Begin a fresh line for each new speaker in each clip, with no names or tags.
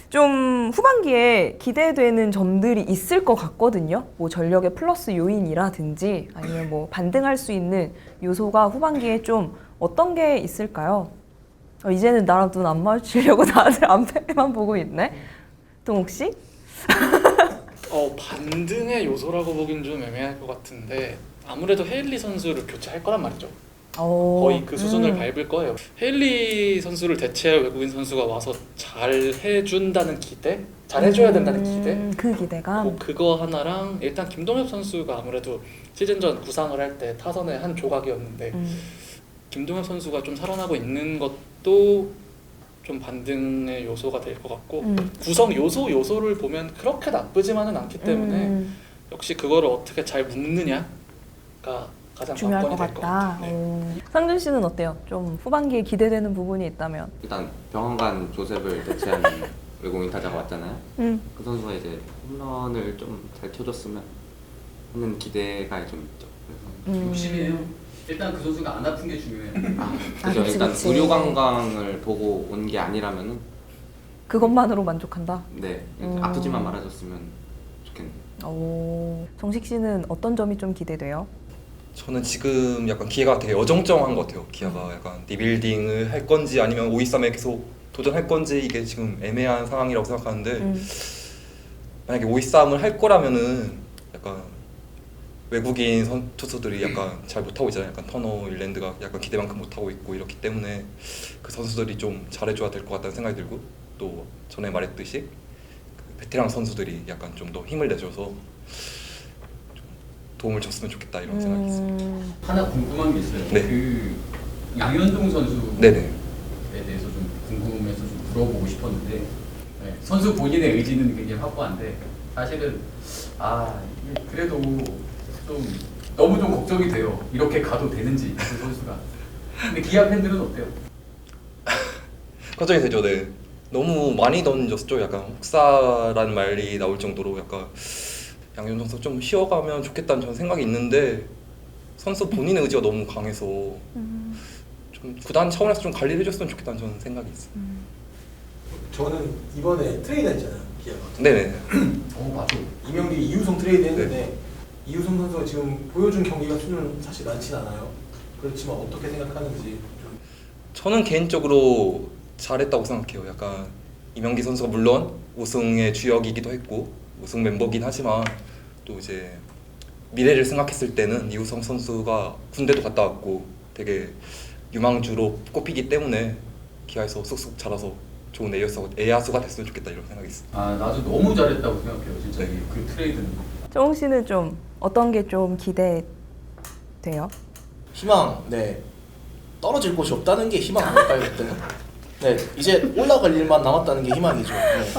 좀 후반기에 기대되는 점들이 있을 것 같거든요. 뭐 전력의 플러스 요인이라든지 아니면 뭐 반등할 수 있는 요소가 후반기에 좀 어떤 게 있을까요? 이제는 나랑 눈 안 마주치려고 다들 앞에만 보고 있네. 동욱 씨?
반등의 요소라고 보긴 좀 애매할 것 같은데 아무래도 헤일리 선수를 교체할 거란 말이죠. 거의 그 수준을 밟을 거예요. 헤일리 선수를 대체할 외국인 선수가 와서 잘 해준다는 기대? 잘 해줘야 된다는 기대?
그 기대감?
그거 하나랑 일단 김동엽 선수가 아무래도 시즌 전 구상을 할 때 타선의 한 조각이었는데 김동엽 선수가 좀 살아나고 있는 것도 좀 반등의 요소가 될 것 같고 구성 요소를 보면 그렇게 나쁘지만은 않기 때문에 역시 그거를 어떻게 잘 묶느냐가 가장
중요할 것
관건이 될 것
같다.
같아요. 네.
상준 씨는 어때요? 좀 후반기에 기대되는 부분이 있다면?
일단 병원간 조셉을 대체한 외국인 타자가 왔잖아요. 그 선수가 이제 홈런을 좀 잘 쳐줬으면 하는 기대가 좀 있죠. 그래서
욕심이에요. 일단 그 선수가 안 아픈 게 중요해요.
그죠.
그치,
일단
그치.
의료 관광을 보고 온 게 아니라면은
그것만으로 만족한다?
네 아프지만 말아줬으면 좋겠네요.
정식 씨는 어떤 점이 좀 기대돼요?
저는 지금 약간 기회가 되게 어정쩡한 것 같아요. 기아가 약간 리빌딩을 할 건지 아니면 5-2-3에 계속 도전할 건지 이게 지금 애매한 상황이라고 생각하는데 만약에 5-2-3을 할 거라면은 약간 외국인 투수들이 약간 잘 못하고 있잖아요. 약간 터너 일랜드가 약간 기대만큼 못하고 있고 이렇기 때문에 그 선수들이 좀 잘해줘야 될 것 같다는 생각이 들고 또 전에 말했듯이 그 베테랑 선수들이 약간 좀 더 힘을 내줘서 도움을 줬으면 좋겠다 이런 생각이 있어요.
하나 궁금한 게 있어요.
네.
그 양현종 선수에
네네.
대해서 좀 궁금해서 좀 물어보고 싶었는데 네, 선수 본인의 의지는 굉장히 확고한데 사실은 이게 그래도 좀 너무 좀 걱정이 돼요. 이렇게 가도 되는지 그 선수가. 근데 기아 팬들은 어때요?
걱정이 되죠. 네. 너무 많이 던졌죠. 약간 혹사라는 말이 나올 정도로 약간 양현종 선수 좀 쉬어가면 좋겠다는 저는 생각이 있는데 선수 본인의 의지가 너무 강해서 좀 구단 차원에서 좀 관리를 해줬으면 좋겠다는 저는 생각이 있어요.
저는 이번에 트레이드 했잖아요, 기아가.
네네.
맞아.
이명기 이우성 트레이드 했는데 이우성 선수가 지금 보여준 경기가 수준은 사실 많진 않아요. 그렇지만 어떻게 생각하는지 좀.
저는 개인적으로 잘했다고 생각해요. 약간 이명기 선수가 물론 우승의 주역이기도 했고 우승 멤버긴 하지만 또 이제 미래를 생각했을 때는 이우성 선수가 군대도 갔다 왔고 되게 유망주로 꼽히기 때문에 기아에서 쑥쑥 자라서 좋은 에야수가 됐으면 좋겠다 이런 생각이 있어요.
나도 너무 잘했다고 생각해요. 진짜
네.
그 트레이드는.
정욱 씨는 좀 어떤 게 좀 기대돼요?
희망, 네. 떨어질 곳이 없다는 게 희망 아닐까요, 그때는? 네, 이제 올라갈 일만 남았다는 게 희망이죠. 네.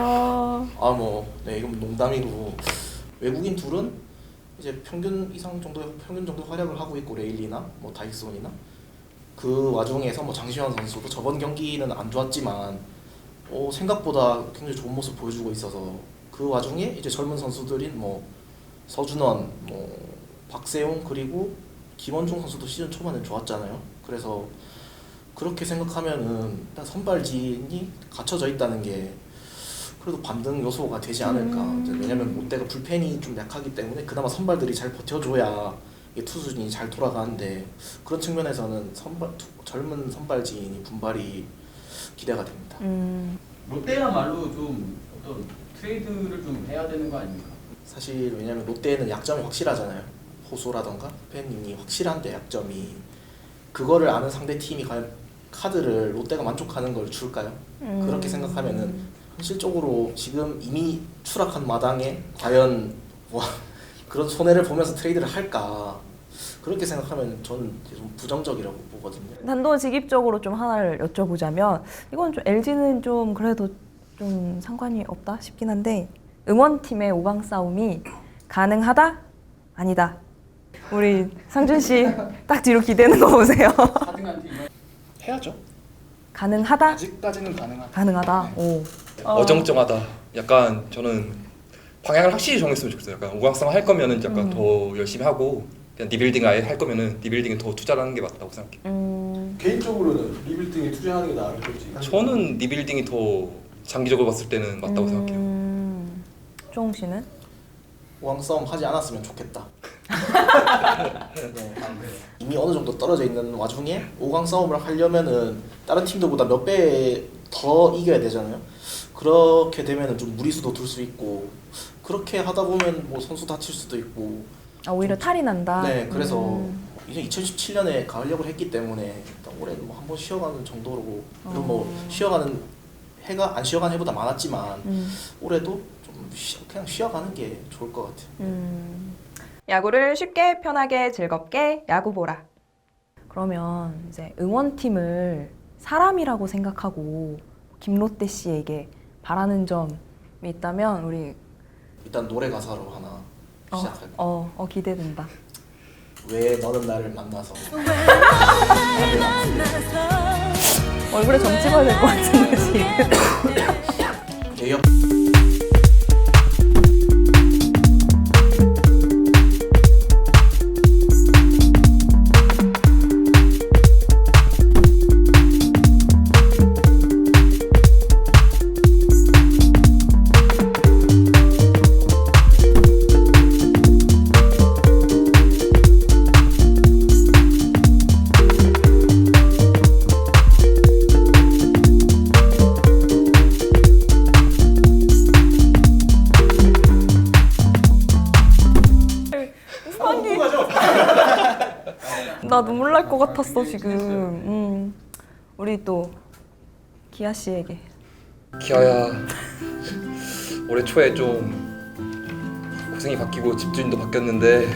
네, 이건 농담이고 외국인 둘은 이제 평균 정도 활약을 하고 있고 레일리나 뭐 다이슨이나 그 와중에서 뭐 장시환 선수도 저번 경기는 안 좋았지만 생각보다 굉장히 좋은 모습 보여주고 있어서 그 와중에 이제 젊은 선수들인 뭐 서준원, 뭐 박세웅 그리고 김원중 선수도 시즌 초반에 좋았잖아요. 그래서 그렇게 생각하면은 일단 선발진이 갖춰져 있다는 게 그래도 반등 요소가 되지 않을까. 왜냐면 롯데가 불펜이 좀 약하기 때문에 그나마 선발들이 잘 버텨줘야 투수진이 잘 돌아가는데 그런 측면에서는 젊은 선발진이 분발이 기대가 됩니다.
롯데야말로 좀 어떤 트레이드를 좀 해야 되는 거 아닙니까?
사실 왜냐면 롯데는 약점이 확실하잖아요. 호소라던가 팬님이 확실한데 약점이 그거를 아는 상대 팀이 과연 카드를 롯데가 만족하는 걸 줄까요? 그렇게 생각하면은 현실적으로 지금 이미 추락한 마당에 과연 그런 손해를 보면서 트레이드를 할까? 그렇게 생각하면 저는 좀 부정적이라고 보거든요.
단도직입적으로 좀 하나를 여쭤보자면 이건 좀 LG는 좀 그래도 좀 상관이 없다 싶긴 한데 응원팀의 5강 싸움이 가능하다? 아니다. 우리 상준 씨 딱 뒤로 기대는 거 보세요.
4등한 팀은
해야죠.
가능하다?
아직까지는 가능하다.
가능하다.
네.
오.
어정쩡하다. 약간 저는 방향을 확실히 정했으면 좋겠어요. 약간 오강성 할 거면은 약간 더 열심히 하고 그냥 리빌딩 아예 할 거면은 리빌딩에 더 투자를 하는 게 맞다고 생각해요.
개인적으로는 리빌딩에 투자하는 게 나을 거지.
저는 리빌딩이 더 장기적으로 봤을 때는 맞다고 생각해요.
조홍 씨는?
5강 싸움 하지 않았으면 좋겠다. 네. 이미 어느 정도 떨어져 있는 와중에 5강 싸움을 하려면은 다른 팀들보다 몇 배 더 이겨야 되잖아요. 그렇게 되면은 좀 무리수도 둘 수 있고 그렇게 하다 보면 뭐 선수 다칠 수도 있고.
아, 오히려 탈이 난다.
네, 그래서 이제 2017년에 가을역을 했기 때문에 일단 올해는 뭐 한번 쉬어가는 정도로 그리고 뭐 쉬어가는 해가 안 쉬어가는 해보다 많았지만 올해도 좀 그냥 쉬어가는 게 좋을 것 같아요.
야구를 쉽게 편하게 즐겁게 야구 보라. 그러면 이제 응원팀을 사람이라고 생각하고 김롯대 씨에게 바라는 점이 있다면 우리
일단 노래 가사로 하나 시작할게요.
기대된다.
왜 너는 나를 만나서
얼굴에 점 찍어야 될 것 같은데 지금.
대역
나 눈물 날 것 같았어 지금. 우리 또 기아 씨에게.
기아야, 올해 초에 좀 고생이 바뀌고 집주인도 바뀌었는데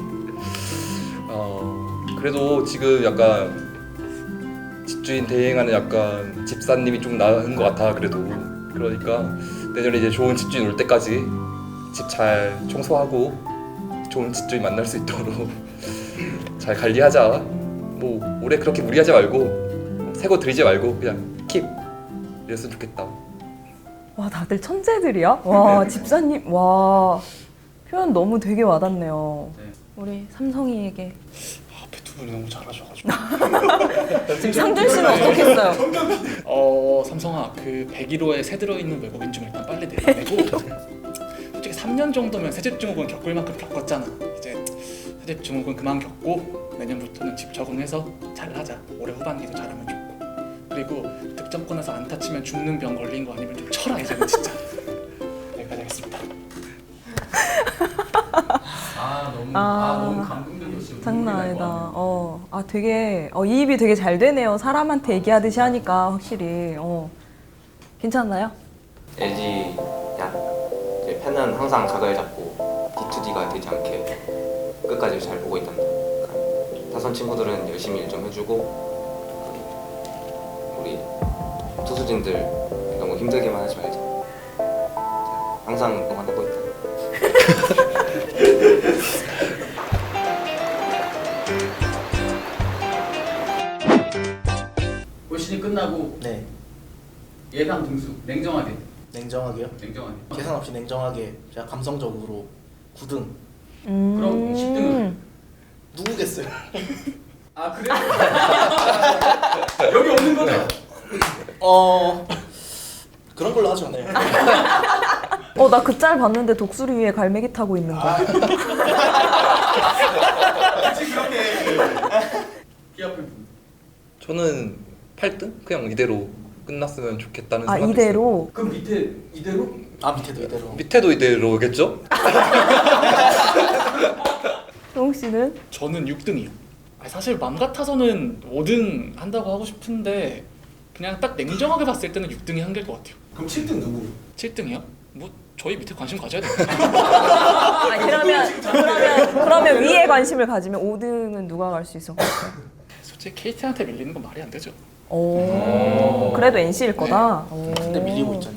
그래도 지금 약간 집주인 대행하는 약간 집사님이 좀 나은 것 같아. 그래도 그러니까 내년에 이제 좋은 집주인 올 때까지 집 잘 청소하고 좋은 집주인 만날 수 있도록 잘 관리하자. 뭐 올해 그렇게 무리하지 말고 새거 들이지 말고 그냥 킵 이랬으면 좋겠다.
와, 다들 천재들이야? 와, 집사님. 와, 표현 너무 되게 와닿네요.
네.
우리 삼성이에게.
앞에 두 분이 너무 잘하셔가지고.
지금 상준 씨는 어떻겠어요?
삼성아, 그 101호에 새 들어있는 외국인 좀 일단 빨리 내보내고 솔직히 3년 정도면 새집증후군 겪을 만큼 겪었잖아. 이제 새집증후군 그만 겪고 내년부터는 집 적응해서 잘하자. 올해 후반기도 잘하면 좋고. 그리고 득점권에서 안타 치면 죽는 병 걸린 거 아니면 좀 쳐라 이제는 진짜. 여기까지 하겠습니다.
너무 감동적이었어요.
장난 아니다. 되게 이입이 되게 잘 되네요. 사람한테 얘기하듯이 하니까 확실히. 괜찮나요?
LG 이제 팬은 항상 각을 잡고 D2D가 되지 않게 끝까지 잘 보고 있답니다. 그러니까 타선 친구들은 열심히 일 좀 해주고 우리 투수진들 너무 힘들게만 하지 말자. 항상 응원하고 있다.
올 시즌 끝나고
네,
예상 등수 냉정하게.
냉정하게요.
냉정하게.
계산 없이 냉정하게 제가 감성적으로 9등.
그럼 10등은?
누구겠어요?
아 그래? 여기 없는 거죠?
그런 걸로 하죠. 네.
나 그 짤 봤는데 독수리 위에 갈매기 타고 있는 거.
그치 그렇게. 기아 팬.
저는 8등? 그냥 이대로 끝났으면 좋겠다는 생각이 있어요.
이대로.
그럼 밑에 이대로?
밑에도 이대로.
밑에도 이대로겠죠?
조홍 씨는?
저는 6등이요. 사실 맘 같아서는 5등 한다고 하고 싶은데 그냥 딱 냉정하게 봤을 때는 6등이 한계일 것 같아요.
그럼 7등 누구?
7등이요? 뭐 저희 밑에 관심 가져야 돼요.
그러면 위에 관심을 가지면 5등은 누가 갈 수 있을 것 같아요?
솔직히 KT한테 밀리는 건 말이 안 되죠.
그래도 NC일 거다.
근데 밀리고 있잖아요.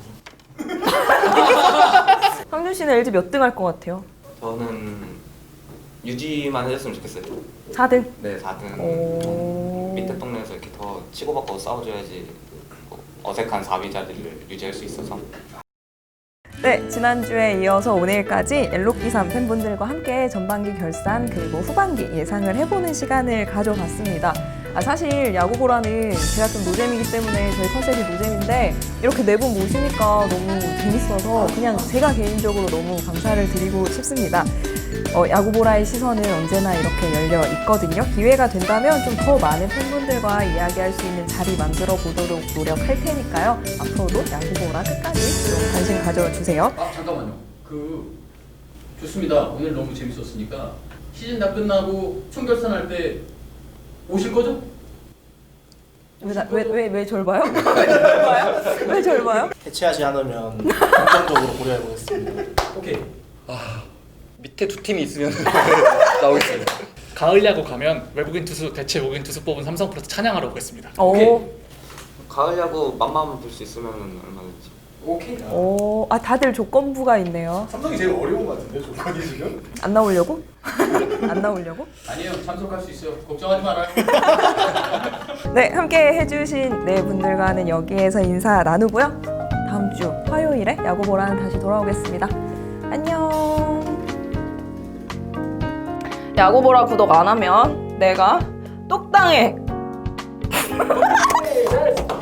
상준 씨는 LG 몇 등 할 것 같아요?
저는 유지만 해줬으면 좋겠어요.
4등?
네, 4등. 밑에 동네에서 이렇게 더 치고받고 싸워줘야지 뭐 어색한 4위 자리를 유지할 수 있어서.
네, 지난주에 이어서 오늘까지 엘로끼3 팬분들과 함께 전반기 결산 그리고 후반기 예상을 해보는 시간을 가져봤습니다. 사실 야구보라는 제가 좀 노잼이기 때문에 저희 컨셉이 노잼인데 이렇게 네 분 모시니까 너무 재밌어서 그냥 제가 개인적으로 너무 감사를 드리고 싶습니다. 야구보라의 시선은 언제나 이렇게 열려 있거든요. 기회가 된다면 좀 더 많은 팬분들과 이야기할 수 있는 자리 만들어 보도록 노력할 테니까요. 앞으로도 야구보라 끝까지 좀 관심 가져주세요.
아 잠깐만요. 좋습니다. 오늘 너무 재밌었으니까 시즌 다 끝나고 총결산할 때 오실 거죠?
왜 절 봐요? 왜 절 봐요?
해체하지 않으면 긍정적으로 고려해 보겠습니다.
오케이.
밑에 두 팀이 있으면 나오겠습니다.
가을 야구 가면 외국인 투수 대체 외국인 투수 뽑은 삼성 프로스 찬양하러 오겠습니다.
오.
가을 야구 맘만 볼 수 있으면 얼마든지.
오케이.
오, 다들 조건부가 있네요.
삼성이 제일 어려운 것 같은데 조건이 지금?
안 나오려고? 안 나오려고?
아니에요. 참석할 수 있어요. 걱정하지 말아요.
네, 함께 해주신 네 분들과는 여기에서 인사 나누고요. 다음 주 화요일에 야구보라는 다시 돌아오겠습니다. 안녕. 야구보라 구독 안 하면 내가 똑당해.